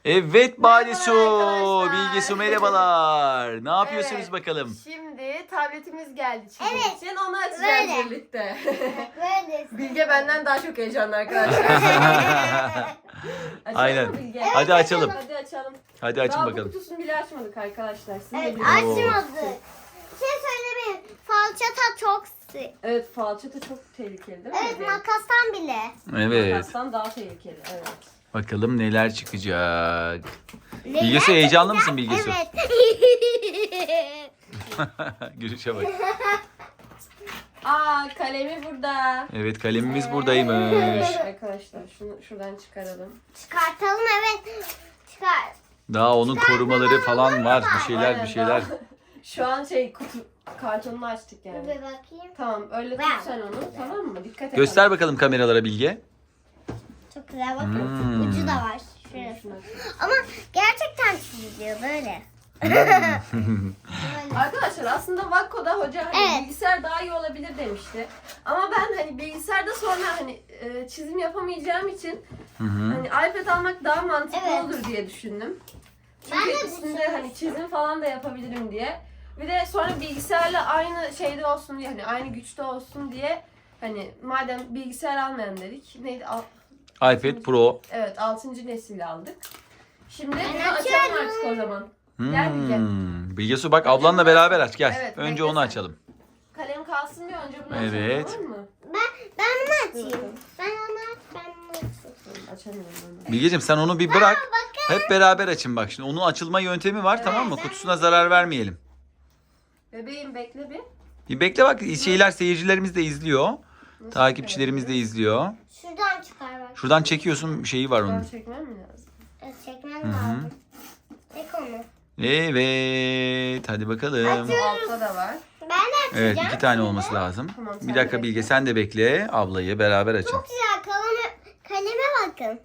Evet Balisu. Merhabalar arkadaşlar. Bilge Su merhabalar. Ne yapıyorsunuz Evet. bakalım? Şimdi tabletimiz geldi çizim Evet. için. Onu açacağız Böyle. birlikte. Böyle. Bilge benden daha çok heyecanlı arkadaşlar. Açalım Aynen. mı Bilge? Hadi açalım. Hadi açalım. Hadi açın Daha bu bakalım. kutusunu bile açmadık arkadaşlar. Siz Evet, de biliyorsunuz. açmadık. Bir şey söylemeyin. Falçata çok sık. Evet, falçata çok tehlikeli değil mi? Evet, bebeğim? makastan bile. Evet. Makastan daha tehlikeli. Evet. Bakalım neler çıkacak. Bilge Su heyecanlı mısın Bilge Su? Evet. Gülüşe bak. Aa, kalemi burada. Evet kalemimiz buradaymış. Arkadaşlar şunu şuradan çıkaralım. Çıkartalım, evet. Çıkar. Daha onun korumaları falan var. Bir şeyler Aynen, bir şeyler. daha- Şu an kutu kartonunu açtık yani. Bir bakayım. Tamam, öyle tut sen onu, tamam mı? Dikkat et. Göster bakalım kameralara Bilge. Çok güzel, bakın. Hmm. Ucu da var. Şurası. Şunu aç. Ama gerçekten çiziliyor böyle. Böyle. Arkadaşlar aslında Vakko'da hoca hani Evet. bilgisayar daha iyi olabilir demişti. Ama ben hani bilgisayarda sonra hani çizim yapamayacağım için Hı hı. hani iPad almak daha mantıklı Evet. olur diye düşündüm. Ben Çünkü de üstünde düşünmüştüm. hani çizim falan da yapabilirim diye. Bir de sonra bilgisayarla aynı şeyde olsun diye hani aynı güçte olsun diye hani madem bilgisayar almayalım dedik. Neydi? iPad Pro. Evet, 6. nesil aldık. Şimdi Ben bunu açalım açıyorum. artık o zaman. Gel Bilge. Bilge Su bak ablanla beraber aç gel. Evet, Önce bekle onu sen. açalım. Kalem kalsın diye önce bunu Evet. açalım, tamam mı? Ben bunu açayım. Ben onu aç, ben bunu açayım. Açamıyorum onu. Bilgeciğim sen onu bir bırak. Hep beraber açın bak. Şimdi onun açılma yöntemi var tamam mı? Kutusuna zarar vermeyelim. Bebeğim bekle bir. Bir bekle bak şeyler seyircilerimiz de izliyor. Nasıl Takipçilerimiz de izliyor. Şuradan çıkar bak. Şuradan çekiyorsun şeyi var çıkarabilirim? onun. Ben çekmem mi lazım? Evet, çekmem lazım. Çek onu. Evet hadi bakalım. Altta da var. Ben de açacağım. Evet 2 tane olması lazım. Tamam, sen Bir de dakika bekle. Bilge sen de bekle. Ablayı beraber açın. Çok güzel, kaleme bakın.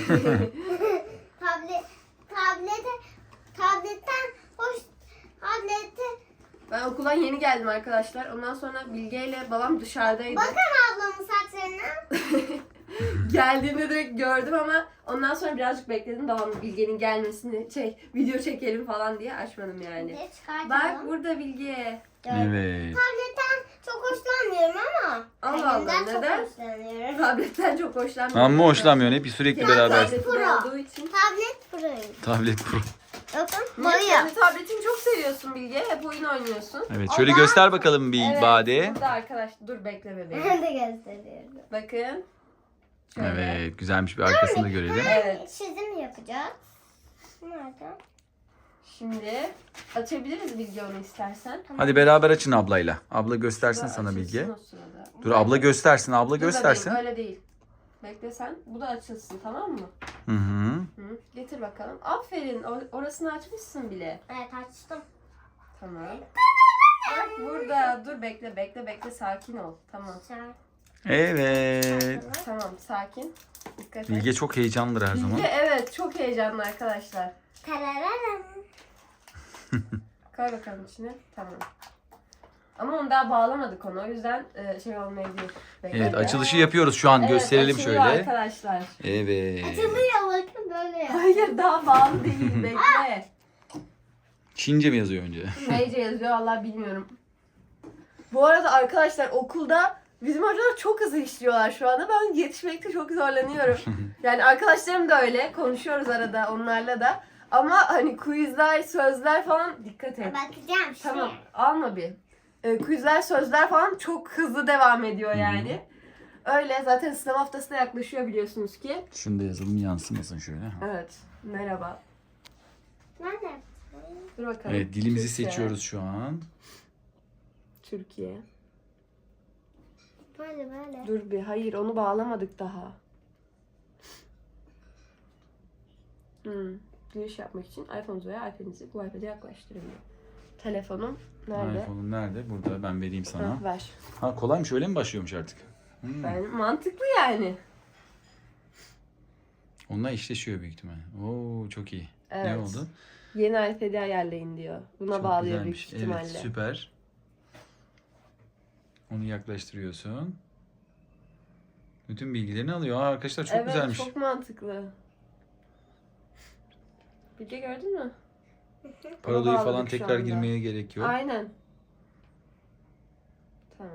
Tabletten hoş, tablete. Ben okuldan yeni geldim arkadaşlar. Ondan sonra Bilge ile babam dışarıdaydı. Bakın ablamın saçlarına. Geldiğinde direkt gördüm ama ondan sonra birazcık bekledim. Babam Bilge'nin gelmesini video çekelim falan diye açmadım yani. Bir çıkartalım. Bak burada Bilge. Evet. Tabletten çok hoşlanmıyorum ama. Allah Allah, kalemden çok neden? hoşlanıyorum. Tabletten çok hoşlanmıyorum. Amma hoşlanmıyorsun hep sürekli beraber. Tabletim Pro. olduğu için. Tablet Pro'yum. Tablet Pro. Bakın Niye? boya. Kendi tabletini çok seviyorsun Bilge. Hep oyun oynuyorsun. Evet şöyle göster bakalım bir Evet, Bade. burada arkadaş. Dur bekle bebeğim. Ben de gösteriyorum. Bakın. Şöyle. Evet güzelmiş bir arkasını da görelim. Evet. Çizim yapacağız. Nerede? Şimdi açabiliriz Bilge onu istersen. Hadi beraber açın ablayla. Abla göstersin Şurada sana açılsın Bilge. o sırada. Dur abla göstersin. Abla Dur bebeğim, göstersin. öyle değil. Bekle sen. Bu da açılsın, tamam mı? Hı hı. Hı. Getir bakalım. Aferin. Orasını açmışsın bile. Evet, açtım. Tamam. Bak burada. Dur bekle. Sakin ol. Tamam. Evet. Tamam, sakin. Dikkat et. Bilge çok heyecanlıdır her zaman. Bilge evet çok heyecanlı arkadaşlar. Tarararam. Koy bakalım içine. Tamam. Ama onu daha bağlamadık onu. O yüzden olmayabilir. Bekle. Evet açılışı yapıyoruz şu an. Evet, Gösterelim açılıyor şöyle. arkadaşlar. Evet. Açılıyor, bakın böyle. Hayır daha bağlı değil. Bekle. Çince mi yazıyor önce? Neyce yazıyor Allah bilmiyorum. Bu arada arkadaşlar okulda bizim hocalar çok hızlı işliyorlar şu anda. Ben yetişmekte çok zorlanıyorum. Yani arkadaşlarım da öyle. Konuşuyoruz arada onlarla da. Ama hani quizler, sözler falan dikkat et. Bakacağım şey. Tamam alma bir. Quizler, sözler falan çok hızlı devam ediyor yani. Öyle zaten sınav haftası da yaklaşıyor biliyorsunuz ki. Şunu da yazalım yansımasın şöyle. Evet. Merhaba. Nerede? Dur bakalım. Evet dilimizi Türkçe. seçiyoruz şu an. Türkiye. Böyle. Dur bir hayır onu bağlamadık daha. Giriş yapmak için iPhone'unuzu veya iPad'inizi bu iPad'e yaklaştırın. Telefonum nerede? iPhone'un nerede? Burada ben vereyim sana. Ha, ver. Ha kolaymış öyle mi başlıyormuş artık? Yani mantıklı yani. Onunla eşleşiyor büyük ihtimal. Oo çok iyi. Evet. Ne oldu? Yeni iPad'i ayarlayın diyor. Buna Çok bağlıyor güzelmiş. büyük ihtimalle. Evet süper. Onu yaklaştırıyorsun. Bütün bilgilerini alıyor. Aa, arkadaşlar çok evet, güzelmiş. çok mantıklı. Bilge gördün mü? Parolayı Onu falan bağladık şu tekrar anda. girmeye gerek yok. Aynen. Tamam.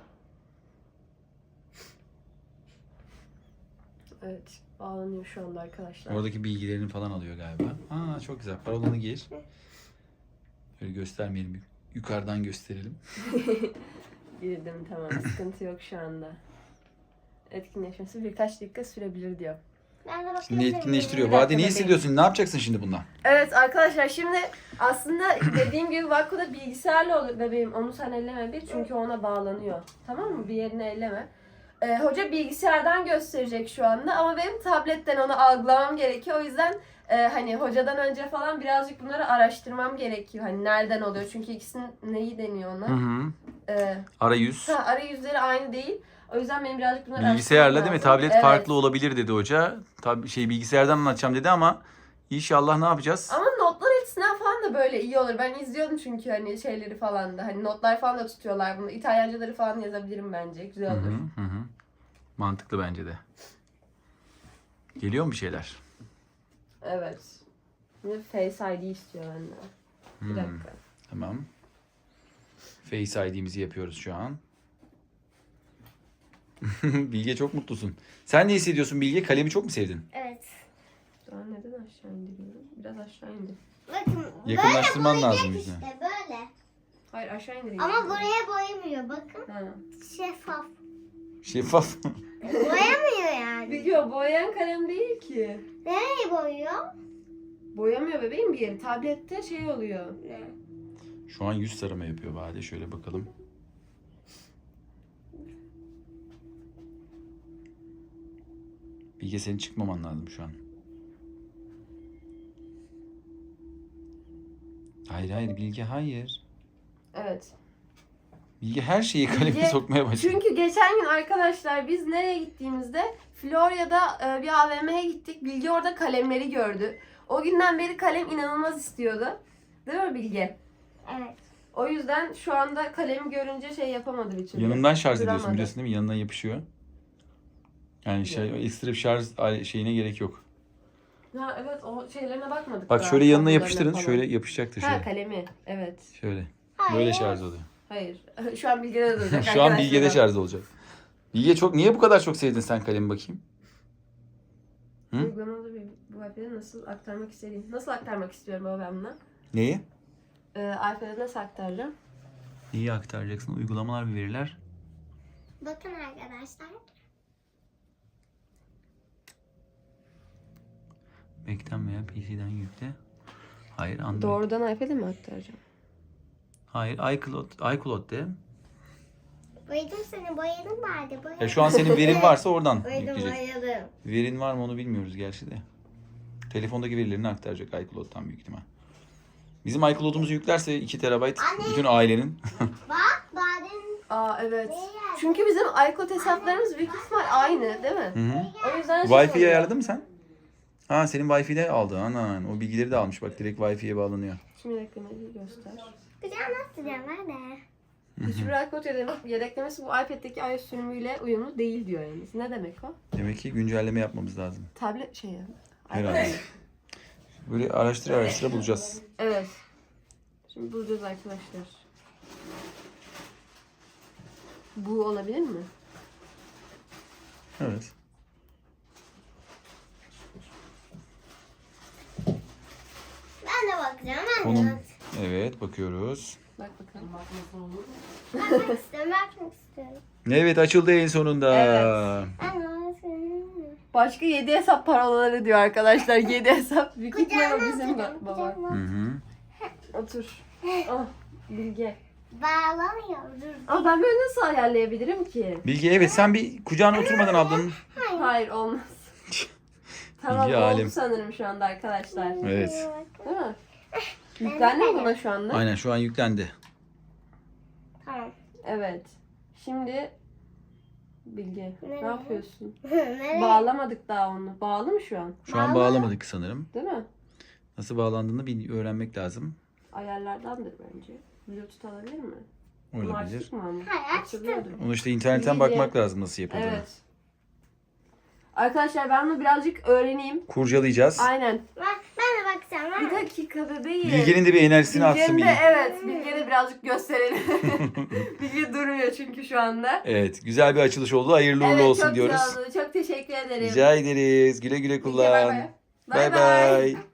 Evet. Bağlanıyor şu anda arkadaşlar. Oradaki bilgilerini falan alıyor galiba. Aa çok güzel. Parolanı gir. Böyle göstermeyelim. Yukarıdan gösterelim. Girdim tamam. Sıkıntı yok şu anda. Etkinleşmesi birkaç dakika sürebilir diyor. Ben de bakayım. Şimdi etkinleştiriyor. Bir dakika Vade ne bebeğim. hissediyorsun? Ne yapacaksın şimdi bundan? Evet arkadaşlar şimdi aslında dediğim gibi Vakko'da bilgisayarla olur bebeğim. Onu sen elleme bir çünkü ona bağlanıyor. Tamam mı? Bir yerini elleme. Hoca bilgisayardan gösterecek şu anda ama benim tabletten onu algılamam gerekiyor. O yüzden hani hocadan önce falan birazcık bunları araştırmam gerekiyor. Hani nereden oluyor? Çünkü ikisinin neyi deniyor ona? Hı. E, Arayüz. arayüzleri aynı değil. O yüzden benim birazcık bunları Bilgisayarla araştırmam değil mi? lazım. Tablet Evet. farklı olabilir dedi hoca. Tabii bilgisayardan anlatacağım dedi ama inşallah ne yapacağız? Ama notlar açısından falan da böyle iyi olur. Ben izliyordum çünkü hani şeyleri falan da. Hani notlar falan da tutuyorlar bunu. İtalyancaları falan yazabilirim bence. Güzel Hı olur. hı, hı hı. Mantıklı bence de. Geliyor mu bir şeyler? Evet. Şimdi Face ID istiyor benden. Bir Hmm, dakika. Tamam. Face ID'mizi yapıyoruz şu an. Bilge çok mutlusun. Sen ne hissediyorsun Bilge? Kalemi çok mu sevdin? Evet. Şu an neden aşağı indiriyorum? Biraz aşağı indir. Bakın Yakınlaştırman böyle lazım boyayacak yüzüne. işte böyle. Hayır aşağı indireyim. Ama buraya boyamıyor bakın. Ha. Şeffaf. Şeffaf. Boyamıyor yani. Biliyor boyayan kalem değil ki. Nereyi boyuyor? Boyamıyor bebeğim bir yeri. Tablette şey oluyor. Ne? Şu an yüz tarama yapıyor Vade. Şöyle bakalım. Bilge senin çıkmaman lazım şu an. Hayır Bilge hayır. Evet. Bilge her şeyi kaleme Bilge- sokmaya başladı. Çünkü geçen gün arkadaşlar biz nereye gittiğimizde Florya'da bir AVM'ye gittik. Bilge orada kalemleri gördü. O günden beri kalem inanılmaz istiyordu. Değil mi Bilge? Evet. O yüzden şu anda kalemi görünce şey yapamadı bir türlü. Yanından şarj ediyorsun Duramadı. biliyorsun değil mi? Yanından yapışıyor. Yani ekstra bir şarj şeyine gerek yok. Ha evet o şeylerine bakmadık. Bak daha, şöyle yanına kablolarına yapıştırın. falan. Şöyle yapışacaktır Ha şöyle. kalemi evet. Şöyle. Hayır. Böyle şarj oluyor. Hayır. Şu an Bilge'de duracak. Şu an arkadaşlar. Bilge'de şarj olacak. Bilge niye bu kadar çok sevdin sen kalemi bakayım? Hı? Uygulamalı bir bu iPad'e nasıl aktarmak istediğim. Nasıl aktarmak istiyorum baba ben buna? Neyi? iPad'e nasıl aktaracağım? İyi aktaracaksın. Uygulamalar ve veriler. Bakın arkadaşlar. Mac'ten veya PC'den yükle. Hayır Android. Doğrudan iPad'e mi aktaracağım? Hayır iCloud de. Boyadım seni. Boyadım vardı. Boyadım. Ya şu an senin verin varsa oradan Boyadım yükleyecek. boyadım. Verin var mı onu bilmiyoruz gerçi de. Telefondaki verilerini aktaracak iCloud'dan büyük ihtimal. Bizim iCloud'umuzu yüklerse 2 TB bütün ailenin. Bak badem. Aa evet. Ne yer? Çünkü bizim iCloud hesaplarımız büyük ihtimal aynı değil mi? Hı hı. O yüzden şey Wi-Fi'yi oluyor. ayarladın mı sen? Ha senin Wi-Fi'de aldı. Anan o bilgileri de almış. Bak direkt Wi-Fi'ye bağlanıyor. Şimdi yedeklemeyi göster. Güzel nasıl nerede? Hiçbir iCloud yedeklemesi bu iPad'deki iOS sürümüyle uyumlu değil diyor yalnız. Ne demek o? Demek ki güncelleme yapmamız lazım. Tablet şeyi. Herhalde. Böyle araştıra bulacağız. Evet. Şimdi bulacağız arkadaşlar. Bu olabilir mi? Evet. Ben de bakacağım. Ben de Konum. bakacağım. Evet bakıyoruz. Bak bakalım. Bakmak istiyorum. Bakmak istiyorum. Evet açıldı en sonunda. Evet. Ben de bakıyorum. Başka 7 hesap parolaları diyor arkadaşlar. 7 hesap. Büyük ihtimal o Kucağıma bizim atacağım. baba. Kucağıma. Hı hı. Otur. Ah Bilge. Bağlamıyor. Dur. Ama ben böyle nasıl ayarlayabilirim ki? Bilge evet sen bir kucağına oturmadan ablanın. Hayır olmaz. Tamam Bilge oldu alim. sanırım şu anda arkadaşlar. Evet. Değil mi? Yüklendi mi buna şu anda? Aynen şu an yüklendi. Tamam. Evet. Şimdi Bilge ne Nereye? yapıyorsun? Nereye? Bağlamadık daha onu. Bağlı mı şu an? Şu an bağlamadık sanırım. Değil mi? Nasıl bağlandığını bir öğrenmek lazım. Ayarlardandır bence. Bluetooth alabilir mi? Bunu Olabilir. açtık mı ama? Hayır, açtım. Açılıyordur. Onu işte internetten Bilge. bakmak lazım nasıl yapıldığını. Evet. Arkadaşlar ben bunu birazcık öğreneyim. Kurcalayacağız. Aynen. Ben de bakacağım. Bir dakika bebeğim. Bilge'nin de bir enerjisini atsın Bilge'nin de Bilge. evet. Bilge'ye de birazcık gösterelim. Bilge durmuyor çünkü şu anda. Evet, güzel bir açılış oldu. Hayırlı uğurlu Evet, olsun çok diyoruz. sağ olun. Çok teşekkür ederim. Rica ederiz. Güle güle Bilge, kullan. bay bay. Bay bay.